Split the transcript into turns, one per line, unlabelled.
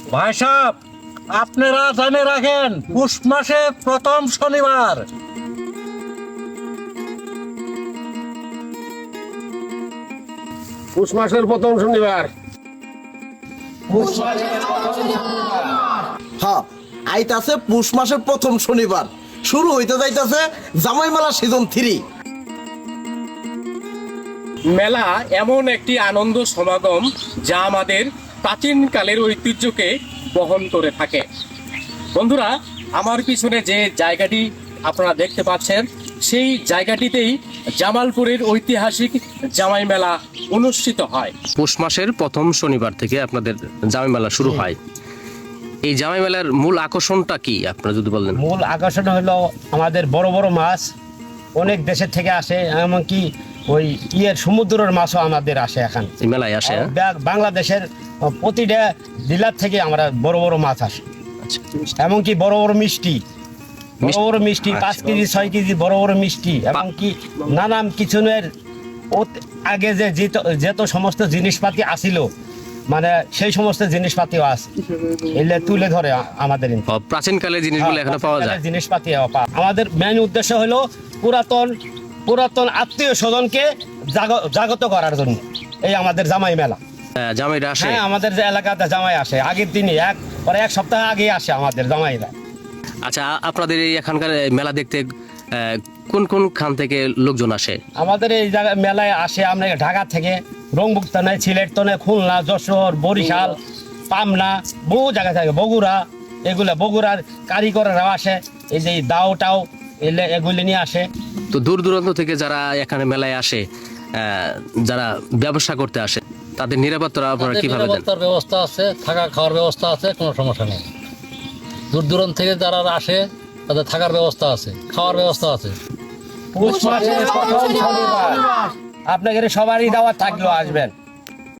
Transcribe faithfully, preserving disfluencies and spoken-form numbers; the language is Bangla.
ভাই সাহেব, আপনারা জানে রাখেন পুষ মাসে প্রথম শনিবার।
পুষ মাসের প্রথম শনিবার।
হ্যাঁ, আইতাছে পুষ মাসের প্রথম শনিবার, শুরু হইতে যাইতাছে জামাই মেলা সিজন থ্রি।
মেলা এমন একটি আনন্দ সমাগম যা আমাদের প্রাচীনকালের ঐতিহ্যকে বহন করে থাকে। বন্ধুরা, আমার পিছনে যে জায়গাটি আপনারা দেখতে পাচ্ছেন, সেই জায়গাটিতেই জামালপুরের ঐতিহাসিক জামাই মেলা অনুষ্ঠিত হয়। পৌষ মাসের প্রথম শনিবার থেকে আপনাদের জামাই মেলা শুরু হয়। এই জামাই মেলার মূল আকর্ষণটা কি আপনারা যদি বলেন?
মূল আকর্ষণ হলো আমাদের বড় বড় মাছ অনেক দেশের থেকে আসে, এমনকি ওই ইয়ের সমুদ্রের মাছও আমাদের আসে এখানে
এই মেলায় আসে। হ্যাঁ?
বা- বাংলাদেশের প্রতিটা জেলার থেকে আমরা বড় বড় মাছ আসে,
আচ্ছা।
এমনকি বড় বড় মিষ্টি, বড় বড় মিষ্টি পাঁচ
আচ্ছা।
কেজি ছয় কেজি বড় বড় মিষ্টি, এমনকি নানান কিচেনের আগে যে যেত- যত সমস্ত জিনিসপাতি আসিল, মানে সেই সমস্ত জিনিসপাতিও আছে, এলে তুলে ধরে আ- আমাদের এখানে।
ও, প্রাচীনকালের জিনিসগুলো এখানে পাওয়া যায়।
জিনিসপাতি পাওয়া। আমাদের মেন উদ্দেশ্য হলো পুরাতন পুরাতন আত্মীয় স্বজনকে জাগ- জাগত করার জন্য এই আমাদের জামাই মেলা।
হ্যাঁ, জামাইরা আসে।
হ্যাঁ, আমাদের যে এলাকাতে জামাই আসে আগের দিনই, এক পরে এক সপ্তাহ আগে আসে আমাদের জামাইরা।
আচ্ছা, আপনাদের এই এখানকার মেলা দেখতে আহ, কোন কোন খান থেকে লোকজন আসে?
আমাদের এই জায়গায় মেলায় আসে আমরা ঢাকা থেকে, রংপুর তনে, সিলেট তনে, খুলনা, যশোর, বরিশাল, পাবনা, বহু জায়গা থেকে, বগুড়া, এগুলা বগুড়ার কারিগররাও আসে, এই যে দাওটাও এলে এগুলি নিয়ে আসে।
তো দূর দূরান্ত থেকে যারা এখানে মেলায় আসে, আহ, যারা ব্যবসা করতে আসে, তাদের নিরাপত্তা আপনারা
তাদের
কিভাবে দেন?
নিরাপত্তার ব্যবস্থা আছে, থাকা খাওয়ার ব্যবস্থা আছে, কোনো সমস্যা নেই। দূর দূরান্ত থেকে যারা আসে তাদের থাকার ব্যবস্থা আছে, খাওয়ার ব্যবস্থা আছে।
পুষ মাসের প্রথম শনিবার আপনাদের সবারই দাওয়াত থাকলো, আসবেন।